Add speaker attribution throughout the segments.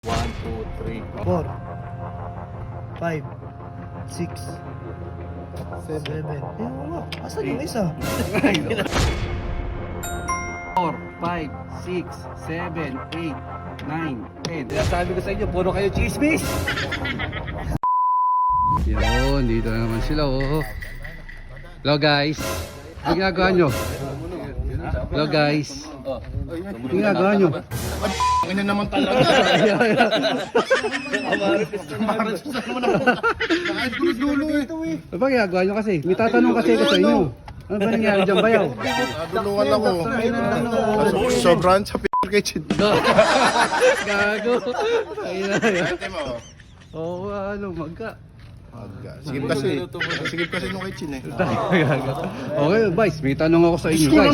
Speaker 1: 1, 2, 3.
Speaker 2: 4, 5, 6, 7. Ayun nga. Asan yung isa?
Speaker 1: 4, 5, 6, 7, 8, 9, 10. Sinasabi ko sa inyo, puro kayo chismis! Yun, dito na naman sila oh. Hello guys. Ano ginagawa nyo? Hello guys. Ano ginagawa nyo?
Speaker 3: Ano naman talaga? Nakait ko dulo ito eh.
Speaker 1: Ano ba ginagawa nyo kasi? May tatanong kasi ako sa inyo. Ano ba nangyari dyan bayaw?
Speaker 3: Duluan ako. Sobrang sa kitchen.
Speaker 1: Gago. Ayun na yun.
Speaker 3: Ate mo.
Speaker 1: Oo, ano, magka.
Speaker 3: Sigip kasi nung kitchen eh.
Speaker 1: Okay, Vice, may tanong ako sa inyo, guys.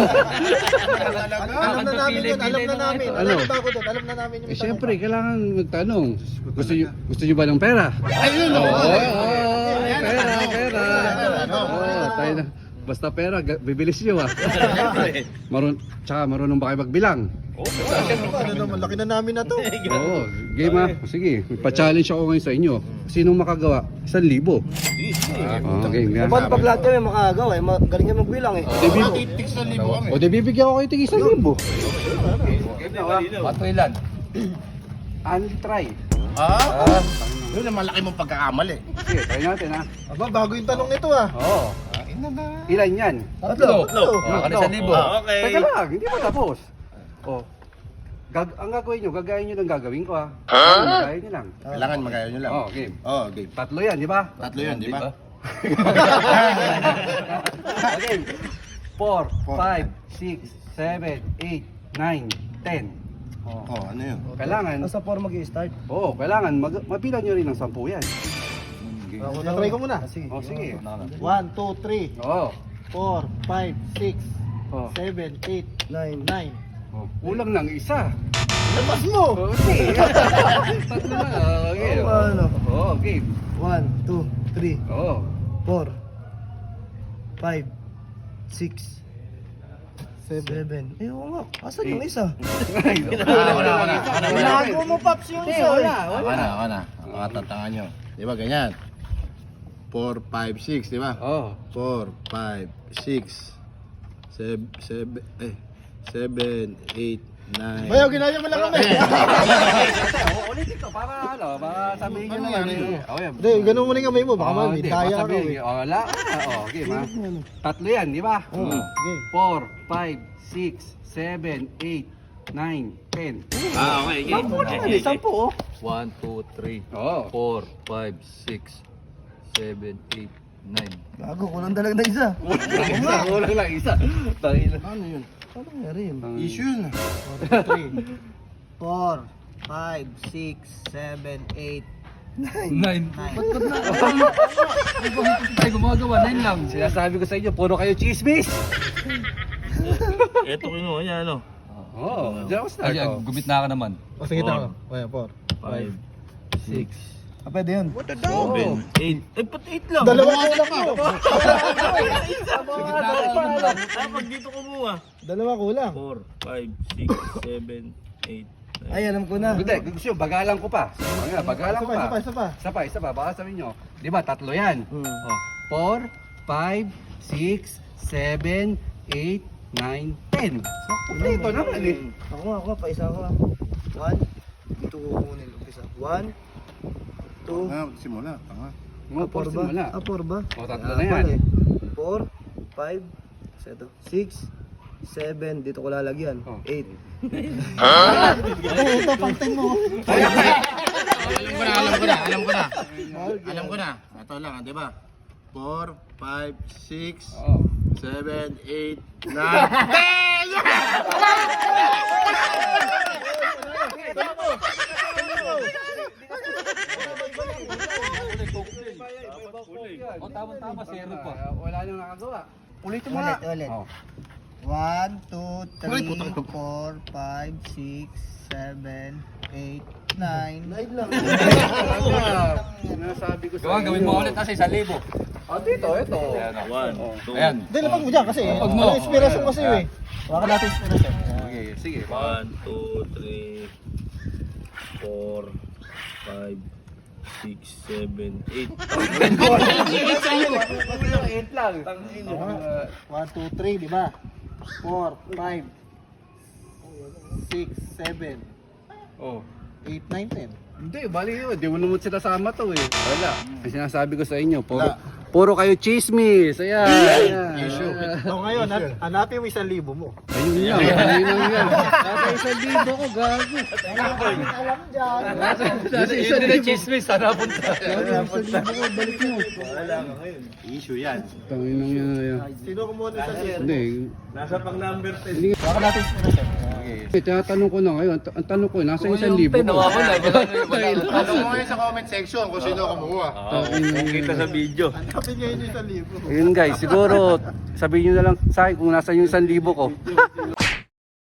Speaker 2: Alam na namin yun. Alam na namin.
Speaker 1: Ano?
Speaker 2: Alam ba ako doon? Alam na namin yung
Speaker 1: Eh, syempre, kailangan magtanong. Gusto nyo ba ng pera?
Speaker 3: Ayun o.
Speaker 1: Pera. Oo, tayo na. Basta pera, bibilis nyo ah. Tsaka marunong ba kayo magbilang?
Speaker 2: Ano naman, laki na namin na to.
Speaker 1: Oo, game ah. Sige, pa-challenge ako ngayon sa inyo. Sinong makagawa? 1,000. Okay, nga.
Speaker 2: Paano pag lahat kami makagawa eh? Galing kami magbilang eh.
Speaker 3: Titik sa libo kami.
Speaker 1: O, di bibigyan ko kayo tig 1,000.
Speaker 3: Patuilan.
Speaker 1: Untry.
Speaker 3: Yun ang malaki mong pagkakamali.
Speaker 1: Sige, try natin ha.
Speaker 2: Aba, bago yung tanong nito ah.
Speaker 1: Oo. Ilan yan?
Speaker 2: Tatlo.
Speaker 1: Ano, 1,000. Okay. Teka lang, hindi pa tapos. Oh. Ang gagawin nyo, gagayin nyo ng gagawin ko ha. Gagayin nyo lang.
Speaker 3: Kailangan magaya nyo lang.
Speaker 1: Oh, game.
Speaker 3: Oh, game.
Speaker 1: Tatlo yan, di ba?
Speaker 3: Tatlo yan, di ba?
Speaker 1: Okay. 4, 5, 6, 7, 8, 9, 10.
Speaker 3: Oh, ano yun?
Speaker 1: Kailangan,
Speaker 2: Nasa 4 mag-i-start.
Speaker 1: kailangan mabilang nyo rin ng 10 yan.
Speaker 2: Ako, natry ko muna. Sige.
Speaker 1: Oh, sige.
Speaker 2: 1, 2, 3,
Speaker 1: Oo.
Speaker 2: 4, 5, 6,
Speaker 1: Oh.
Speaker 2: 7, 8, 9, 9.
Speaker 1: Oh, kulang lang isa.
Speaker 2: Labas mo!
Speaker 1: Oh, sige. Tatlo na. Okay.
Speaker 2: Oo, ano?
Speaker 1: Oh, game.
Speaker 2: 1, 2, 3,
Speaker 1: Oo.
Speaker 2: 4, 5, 6, 7. Ayun nga. Asan yung isa?
Speaker 3: Wala.
Speaker 2: Binago mo, Paps, yung isa.
Speaker 1: Wala.
Speaker 3: Ako na. Makatatanga nyo. Di ba ganyan? 4, 5, 6, di ba?
Speaker 1: Oh.
Speaker 3: 4, 5, 6, 7, 8, 9.
Speaker 2: Bayaw, ginaya mo lang kami.
Speaker 1: Ulitin ko para sabihin nyo naman. Okay.
Speaker 2: Hindi, ganun mo na yung kamay mo. Baka mami,
Speaker 1: hindi,
Speaker 2: daya
Speaker 1: baka
Speaker 2: ka
Speaker 1: sabihin,
Speaker 2: eh.
Speaker 1: wala. Game ha. Tatlo yan, di ba?
Speaker 2: Oo, sige.
Speaker 1: 4, 5, 6, 7, 8, 9, 10.
Speaker 3: Okay, game.
Speaker 1: 10 naman eh, 10 oh.
Speaker 4: 1, 2, 3,
Speaker 1: Oo.
Speaker 4: 4, 5, 6, 7, 8, 9.
Speaker 2: Gago, kulang talaga na isa.
Speaker 1: Kulang lang isa. Tangina.
Speaker 3: Ano yun?
Speaker 2: Ano nangyari yun?
Speaker 3: Issue yun.
Speaker 2: 3, 4, 5, 6, 7, 8,
Speaker 4: 9.
Speaker 2: 9.
Speaker 4: Tayo gumagawa, 9 lang.
Speaker 1: Sinasabi ko sa inyo, puro kayo chismis.
Speaker 5: Ito ko yun, yan ano.
Speaker 1: Oo. Diyan ako start.
Speaker 4: Ay, gumit na ka naman.
Speaker 2: O sige, tama. Kaya, 4,
Speaker 5: 5, 6,
Speaker 2: pwede yun.
Speaker 5: 7, 8. Eh, ba't 8 lang?
Speaker 2: Dalawa kulang mo.
Speaker 5: Pag dito kumuha.
Speaker 2: Dalawa kulang.
Speaker 5: 4, 5, 6, 7, 8.
Speaker 2: Ay, alam ko na.
Speaker 1: Hindi, gusto nyo, bagalan ko pa. Bagalan ko pa.
Speaker 2: Isa pa.
Speaker 1: Baka sabihin nyo. Di ba, tatlo yan.
Speaker 2: Hmm.
Speaker 1: Oh, 4, 5, 6, 7, 8, 9, 10. Ito naman eh.
Speaker 2: Ako nga, paisa ko. 1, dito ko kukunin. Umpisa. 1, 2,
Speaker 3: Simula. Tanga.
Speaker 1: Mga 4 simula.
Speaker 2: 4 ba?
Speaker 1: O, tatlo na yan.
Speaker 2: 4, 5, 6, 7, dito ko lalagyan.
Speaker 1: Oh.
Speaker 2: 8. Ito, pang-10 mo.
Speaker 3: Alam ko na. Ito lang, di ba? 4, 5, 6,
Speaker 1: Oo.
Speaker 3: 7, 8, 9.
Speaker 1: O, tama, zero pa. Wala nang nakagawa. Ulitin mo
Speaker 2: Ulit,
Speaker 1: nga.
Speaker 2: ulit.
Speaker 1: Oh.
Speaker 2: 1, 2, 3, 4, 5, 6, 7, 8, 9. 9 lang.
Speaker 1: Sinasabi ko sa
Speaker 4: Gawa, gawin mo ulit kasi 1,000.
Speaker 1: Dito, ito.
Speaker 5: 1, 2,
Speaker 4: Ayan.
Speaker 2: Hindi, lapag mo dyan kasi.
Speaker 4: Lapag mo.
Speaker 2: Ano, inspirasyon kasi eh. Baka natin inspirasyon.
Speaker 1: Okay, sige.
Speaker 5: 1, 2, 3, 4, 5, 6, 7, 8.
Speaker 2: 1, 2, 3, di ba? 4, 5, 6, 7,
Speaker 4: Oh.
Speaker 2: 8, 9, 10.
Speaker 1: Hindi, bali yun. Di mo naman sinasama to eh. Wala. Ang sinasabi ko sa inyo, puro kayo chismis. Ayan. Ayan.
Speaker 2: So ngayon, hanapin mo 1,000 mo.
Speaker 1: Ayun lang. Ayun lang yan. Nasa 1,000 ko, gago.
Speaker 2: Alam dyan.
Speaker 1: Nasa
Speaker 4: Hindi na chismis, sana punta.
Speaker 1: 1,000 ko, balik mo.
Speaker 3: Issue yan.
Speaker 1: Tangin lang yan.
Speaker 2: Sino kumuha ng 1,000?
Speaker 1: Hindi.
Speaker 5: Nasa pang number 10.
Speaker 2: Baka natin inspiration.
Speaker 1: Tinatanong ko na ngayon. Ang tanong ko, nasa 1,000 ko.
Speaker 4: Nawawala.
Speaker 3: Tanong mo ngayon sa comment section kung sino kumuha.
Speaker 5: Kita sa video.
Speaker 2: Hanapin ngayon yung 1,000.
Speaker 1: Ayun guys, siguro sabihin nyo na lang sa akin kung nasa yung 1,000 ko.